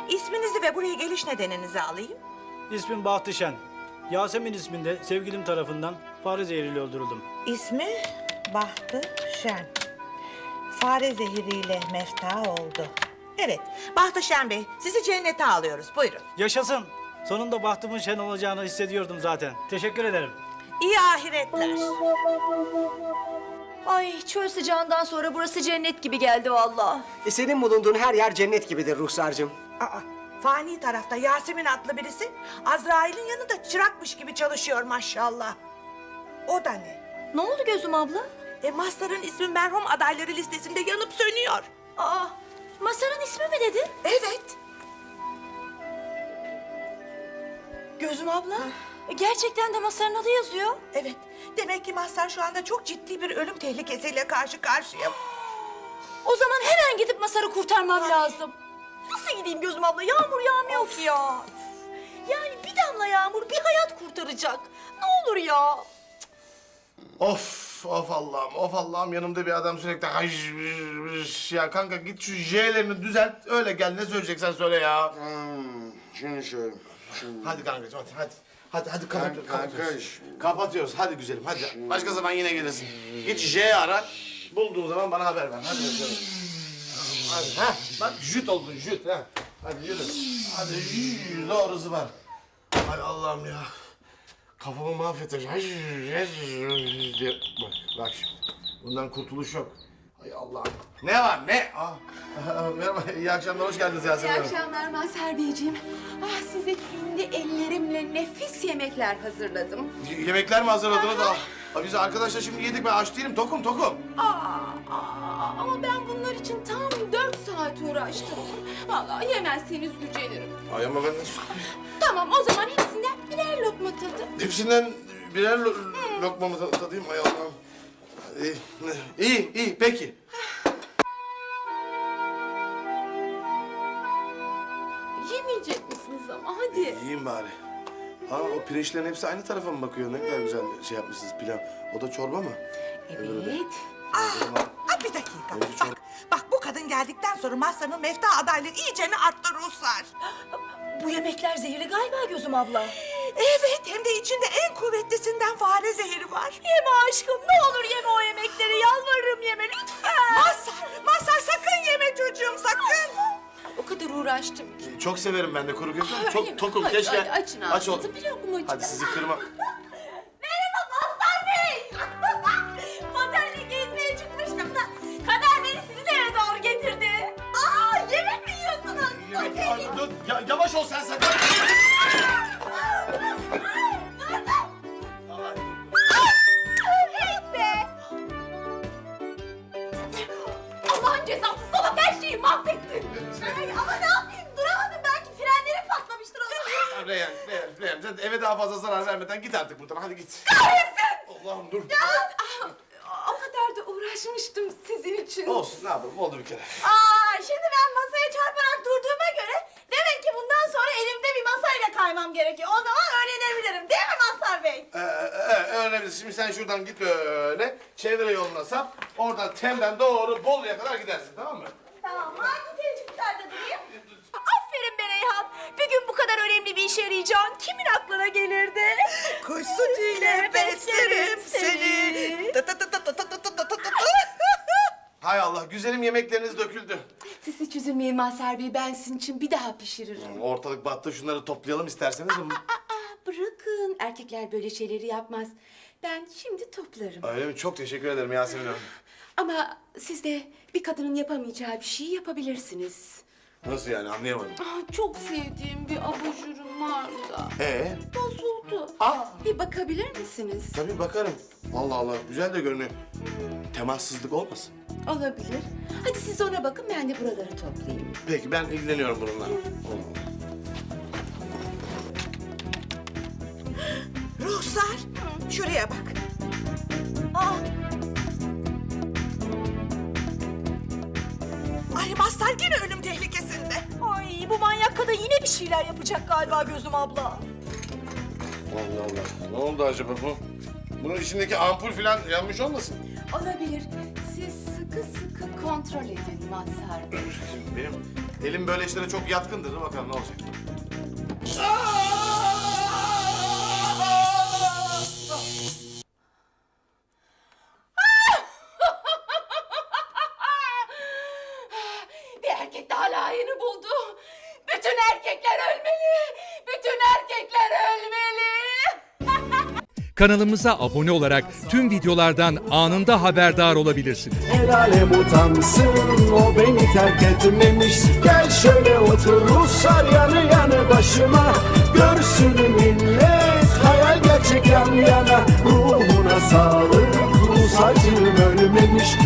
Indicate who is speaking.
Speaker 1: İsminizi ve buraya geliş nedeninizi alayım.
Speaker 2: İsmim Bahtişen. Yasemin isminde sevgilim tarafından fare zehriyle öldürüldüm.
Speaker 1: İsmi Bahtı Şen. Fare zehiriyle mefta oldu. Evet, Bahtı Şen Bey, sizi cennete alıyoruz. Buyurun.
Speaker 2: Yaşasın. Sonunda bahtımın şen olacağını hissediyordum zaten. Teşekkür ederim.
Speaker 1: İyi ahiretler.
Speaker 3: Ay çöl sıcağından sonra burası cennet gibi geldi vallahi.
Speaker 4: Senin bulunduğun her yer cennet gibidir Ruhsar'cığım.
Speaker 1: Aa, fani tarafta Yasemin adlı birisi Azrail'in yanında çırakmış gibi çalışıyor maşallah. O da ne?
Speaker 3: Ne oldu gözüm abla?
Speaker 1: Mazhar'ın ismi merhum adayları listesinde yanıp sönüyor.
Speaker 3: Aa, Masar'ın ismi mi dedi?
Speaker 1: Evet.
Speaker 3: Gözüm abla. Gerçekten de Masar'ın adı yazıyor.
Speaker 1: Evet. Demek ki Mazhar şu anda çok ciddi bir ölüm tehlikesiyle karşı karşıya.
Speaker 3: O zaman hemen gidip Masar'ı kurtarmam lazım. Nasıl gideyim gözüm abla? Yağmur yağmıyor ki ya. Yani bir damla yağmur bir hayat kurtaracak. Ne olur ya.
Speaker 5: Of Allah'ım, of Allah'ım, yanımda bir adam sürekli hış ya kanka, git şu J'lerini düzelt, öyle gel, ne söyleyeceksen söyle ya.
Speaker 6: Şunu şöyle.
Speaker 5: Hadi kankacığım, hadi kapatıyoruz.
Speaker 6: Kanka,
Speaker 5: Kapatıyoruz, hadi güzelim, hadi. Başka zaman yine gelirsin. Git J ara, bulduğun zaman bana haber ver, hadi bakalım. Hadi, bak jüt oldun, jüt, ha. Hadi yürü, hadi doğrusu var. Hay Allah'ım ya. Kafamı mahvetecek. Bak şimdi. Bundan kurtuluş yok. Hay Allah'ım. Ne var ne? Merhaba, iyi akşamlar, hoş geldiniz Yasemin
Speaker 7: İyi
Speaker 5: Hanım.
Speaker 7: akşamlar Mazhar Beyciğim. Size kendi ellerimle nefis yemekler hazırladım.
Speaker 5: Yemekler mi hazırladınız? Biz arkadaşlar şimdi yedik, ben aç değilim, tokum.
Speaker 7: Ama ben bunlar için tam 4 saat uğraştım. Vallahi yemezseniz gücenirim.
Speaker 5: Ay ama ben nasıl...
Speaker 7: Tamam, o zaman hepsinden birer lokma tadın.
Speaker 5: Hepsinden birer lokma mı tadayım? Ay Allah'ım. İyi, peki.
Speaker 7: Yemeyecek misiniz ama hadi.
Speaker 5: Yiyeyim bari. O pirinçlerin hepsi aynı tarafa mı bakıyor? Ne kadar güzel şey yapmışsınız, pilav. O da çorba mı?
Speaker 7: Evet.
Speaker 1: Bir dakika.
Speaker 5: Önce çok-
Speaker 1: Bak bu kadın geldikten sonra Mazhar'ın mefta adaylığı iyicene arttı Ruhsar.
Speaker 3: Bu yemekler zehirli galiba gözüm abla.
Speaker 1: Evet, hem de içinde en kuvvetlisinden fare zehri var.
Speaker 3: Yeme aşkım, ne olur yeme o yemekleri. Yalvarırım yeme lütfen.
Speaker 1: Mazhar sakın yeme çocuğum, sakın.
Speaker 7: O kadar uğraştım ki.
Speaker 5: Çok severim ben de kuru köfte.
Speaker 7: Hadi,
Speaker 5: Çok tokum,
Speaker 7: hadi,
Speaker 5: keşke.
Speaker 7: hadi, açın
Speaker 5: Aç ol.
Speaker 7: ağzınızı, bir lokmacık.
Speaker 5: Hadi sizi kırma.
Speaker 3: Merhaba Mazhar Bey. Otelde gezmeye çıkmıştım da kader beni sizin eve doğru getirdi. Yemek mi yiyorsunuz?
Speaker 5: Dur, yavaş ol sen sakın.
Speaker 3: Allah'ın cezası, salak her şeyi mahvettin. Ama ne yapayım, duramadım, belki frenlerim patlamıştır o zaman.
Speaker 5: Reyhan, sen eve daha fazla zarar vermeden git artık buradan, hadi git. Allah'ım dur.
Speaker 7: O kadar da uğraşmıştım sizin için.
Speaker 5: Olsun, ne yapalım, oldu bir kere.
Speaker 3: Şimdi ben masaya çarparak durduğuma göre demek ki bundan sonra elimde bir masayla kaymam gerekiyor. O zaman öğrenebilirim, değil mi Mazhar Bey?
Speaker 5: Öğrenebilirsin. Şimdi sen şuradan git böyle, çevre yoluna sap, oradan Tem'den doğru Bolu'ya kadar gidersin, tamam mı?
Speaker 3: Tamam, hangi tecrübelerde durayım? Aferin be Reyhan. Bir gün bu kadar önemli bir işe yarayacağın kimin aklına gelirdi?
Speaker 1: Kuş sütüyle beslerim seni.
Speaker 5: Hay Allah, güzelim yemekleriniz döküldü.
Speaker 7: Siz hiç üzülmeyin Mazhar Bey, ben sizin için bir daha pişiririm.
Speaker 5: Ortalık battı, şunları toplayalım isterseniz.
Speaker 7: Bırakın, erkekler böyle şeyleri yapmaz. Ben şimdi toplarım.
Speaker 5: Öyle mi? Çok teşekkür ederim Yasemin Hanım.
Speaker 7: Ama siz de bir kadının yapamayacağı bir şeyi yapabilirsiniz.
Speaker 5: Nasıl yani, anlayamadım.
Speaker 7: Çok sevdiğim bir abajurum var da. Bozuldu. Bir bakabilir misiniz?
Speaker 5: Tabii bakarım. Allah Allah, güzel de görünüyor. Temassızlık olmasın?
Speaker 7: Olabilir. Hadi siz ona bakın, ben de buraları toplayayım.
Speaker 5: Peki, ben ilgileniyorum bununla.
Speaker 1: Ruhsar, şuraya bak. Ay Mazhar yine ölüm tehlikesinde.
Speaker 3: Ay, bu manyak kadın yine bir şeyler yapacak galiba gözüm abla.
Speaker 5: Allah Allah, ne oldu acaba bu? Bunun içindeki ampul falan yanmış olmasın?
Speaker 7: Olabilir. Siz sıkı sıkı kontrol edin Mazhar Bey.
Speaker 5: Benim Elim böyle işlere çok yatkındır. Dur bakalım ne olacak.
Speaker 7: Bir erkek daha layığını buldu. Bütün erkekler ölmeli. Bütün erkekler ölmeli.
Speaker 8: Kanalımıza abone olarak tüm videolardan anında haberdar olabilirsiniz.
Speaker 9: El alem utansın, o beni terk etmemiş. Gel şöyle otur Ruslar yanı yanı başıma. Görsün millet, hayal gerçek yan yana. Ruhuna sağlık, Rus acım ölmemiş.